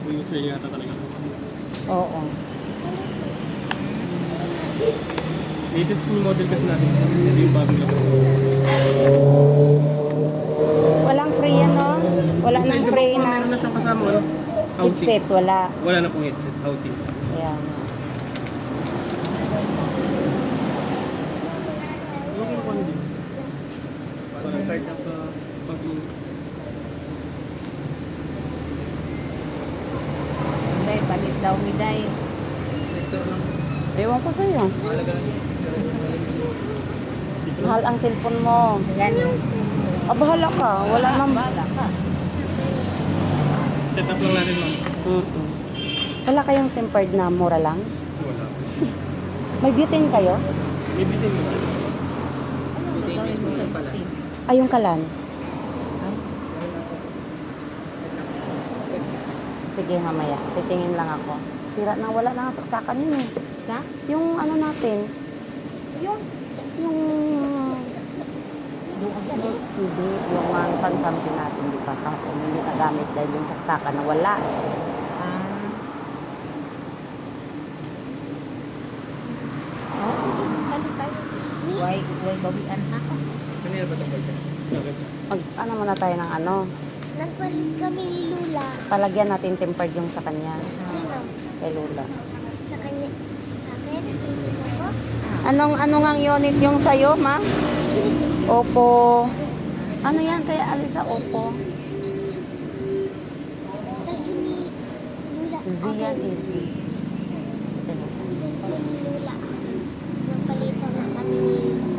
user yata talaga. Oo. Latest yung model kasi natin. Ito yung bagong labas. Walang free yan, no? Wala Sa nang Indobox free po, na meron na siyang kasama, ano? Housing. headset. Wala. Wala na pong headset. Housing. Ayan. Okay na po ano dito. Parang card na pag-in. Day, palit daw ni Day. Store lang. Ewan ko sa'yo. Mahalaga lang yun. Pero yun na yun. Dito na. Mahal ang cellphone mo. Yan. Ah, bahala ka. Wala nang bahala ka. Set up lang natin, ma'am. Wala kayong tempered na mura lang? Wala. May butane kayo? May bitin mo. Dito yung mismo sa pala. Ay, yung kalan. Sige, mamaya. Titingin lang ako. Sira na, wala na nga saksakan yun eh. Sa? Yung ano natin. Yung hindi, yung pansampi natin, di pa kahapon, hindi nagamit dahil yung saksakan na wala. Oh, sige, balik tayo. Why bawian ha? Kanina ba itong birthday? Sakit. Ano muna tayo ng ano? Nagpalit kami ni Lula. Palagyan natin tempered yung sa kanya. Sino? Kay Lola. Sa kanya. Sa akin? Yung suko ko? Anong ang unit yung sa'yo, ma? Oppo. Ano yan? Kaya alisa Oppo. Sa ni Lula. Zian Yung ni Lula. Nagpalitan na kami ni